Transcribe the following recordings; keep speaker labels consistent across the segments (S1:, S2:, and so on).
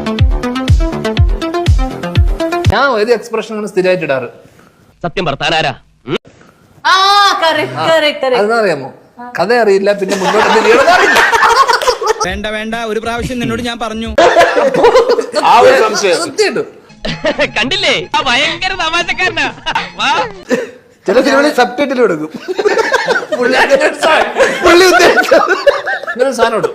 S1: ഞാൻ ഒരു എക്സ്പ്രഷൻ സ്ഥിരമായിട്ട് ഇടാറ്.
S2: സത്യം പറത്താനാരാ?
S1: അതെന്നറിയാമോ? കഥ അറിയില്ല, പിന്നെ മുന്നോട്ട്
S3: വേണ്ട വേണ്ട, ഒരു പ്രാവശ്യം നിന്നോട് ഞാൻ പറഞ്ഞു.
S1: സത്യമായിട്ടും
S2: കണ്ടില്ലേ, ഭയങ്കര തമാശക്കാരനാ.
S4: ചില സിനിമകളിൽ സബ് ടൈറ്റിൽ കൊടുക്കും.
S1: പുള്ളി ഉദ്ദേശിച്ചൊരു സാധനം ഇടും.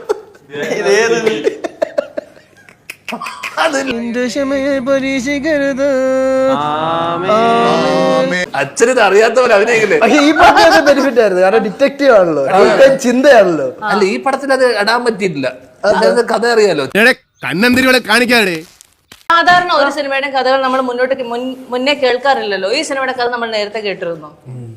S1: അച്ഛനിത് അറിയാത്ത പോലെ അഭിനയിക്കില്ലേ?
S4: പക്ഷെ ഈ പടത്തിൽ ബെനിഫിറ്റ് ആയിരുന്നു, കാരണം ഡിറ്റക്റ്റീവ് ആണല്ലോ, ചിന്തയാണല്ലോ.
S1: അല്ല, ഈ പടത്തിൽ അത് ഇടാൻ പറ്റിയിട്ടില്ല. കഥ അറിയാലോ.
S5: കണ്ണന്തിരികളെ കാണിക്കാതെ.
S6: സാധാരണ ഒരു സിനിമയുടെ കഥകൾ നമ്മൾ മുന്നേ കേൾക്കാറില്ലല്ലോ. ഈ സിനിമയുടെ കഥ നമ്മൾ നേരത്തെ കേട്ടിരുന്നു.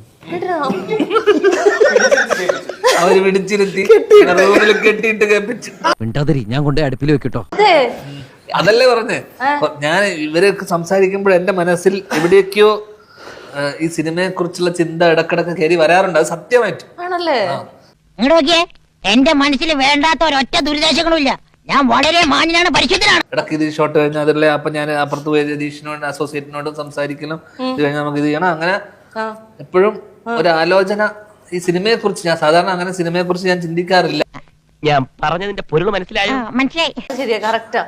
S1: അവര് പിടിച്ചിരുത്തി റൂമിൽ കെട്ടിയിട്ട് കേൾപ്പിച്ചു.
S2: ഞാൻ കൊണ്ട് അടുപ്പിൽ വെക്കിട്ടോ.
S6: അതെ,
S1: അതല്ലേ പറഞ്ഞേ. ഞാൻ ഇവരൊക്കെ സംസാരിക്കുമ്പോൾ എന്റെ മനസ്സിൽ എവിടെയൊക്കെയോ ഈ സിനിമയെ കുറിച്ചുള്ള ചിന്ത ഇടക്കിടക്ക് കയറി വരാറുണ്ട്. അത് സത്യമായിട്ട്
S6: ആണല്ലേ?
S7: നോക്കിയേ, എന്റെ മനസ്സിൽ വേണ്ടാത്ത ഒരൊറ്റ ദുരിതാശങ്ങളും ഇല്ല. ഞാൻ വളരെ മാന്യനാണ്, പരിശുദ്ധനാണ്.
S1: ഇടയ്ക്ക് ഇത് ഷോട്ട് കഴിഞ്ഞാൽ അതല്ലേ, അപ്പൊ ഞാൻ അപ്പുറത്ത് പോയി രതീഷിനോട് അസോസിയേറ്റിനോടും സംസാരിക്കണം. ഇത് കഴിഞ്ഞാൽ നമുക്ക് ഇത് ചെയ്യണം. അങ്ങനെ എപ്പോഴും ഒരു ആലോചന ഈ സിനിമയെ കുറിച്ച്. ഞാൻ സാധാരണ അങ്ങനെ സിനിമയെ കുറിച്ച് ഞാൻ ചിന്തിക്കാറില്ല.
S2: ഞാൻ പറഞ്ഞതിന്റെ പൊരുൾ മനസ്സിലായോ?
S7: മനസ്സിലായി.
S6: ശരിയാ, കറക്റ്റാ.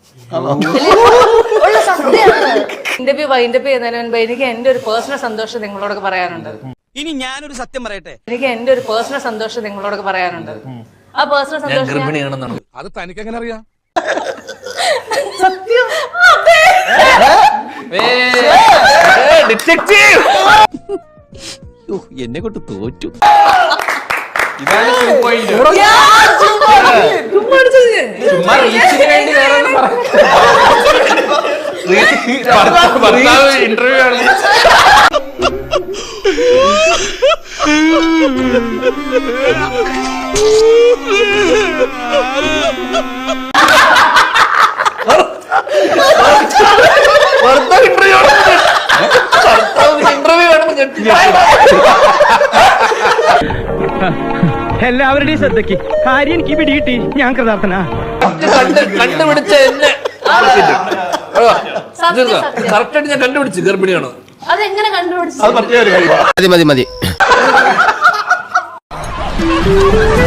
S6: ഇന്റർവ്യൂ വൈൻഡപ്പ് ചെയ്യുന്നതിന് മുൻപ് എനിക്ക് എന്റെ ഒരു പേഴ്സണൽ സന്തോഷം നിങ്ങളോടൊക്കെ പറയാനുണ്ട്.
S3: ഇനി ഞാനൊരു സത്യം പറയട്ടെ.
S6: എനിക്ക് എന്റെ ഒരു പേഴ്സണൽ സന്തോഷം നിങ്ങളോടൊക്കെ പറയാനുണ്ട്. ആ പേഴ്സണൽ സന്തോഷം
S1: ഗർഭിണിയാണെന്നാണ്.
S5: അത് തനിക്ക് എങ്ങനെ അറിയാം?
S6: സത്യം.
S2: എന്നെ കൊണ്ട് തോറ്റു.
S1: ഇന്റർവ്യൂ ആണ്.
S8: എല്ലാവരുടെയും ശ്രദ്ധയ്ക്ക് കാര്യം എനിക്ക് പിടികിട്ടി. ഞാൻ കൃതാർത്ഥനാ.
S1: കണ്ടുപിടിച്ച എന്നെ കറക്റ്റായിട്ട് ഞാൻ കണ്ടുപിടിച്ചു ഗർഭിണിയാണ്.
S6: അതെങ്ങനെ കണ്ടുപിടിച്ചു?
S5: മതി മതി മതി.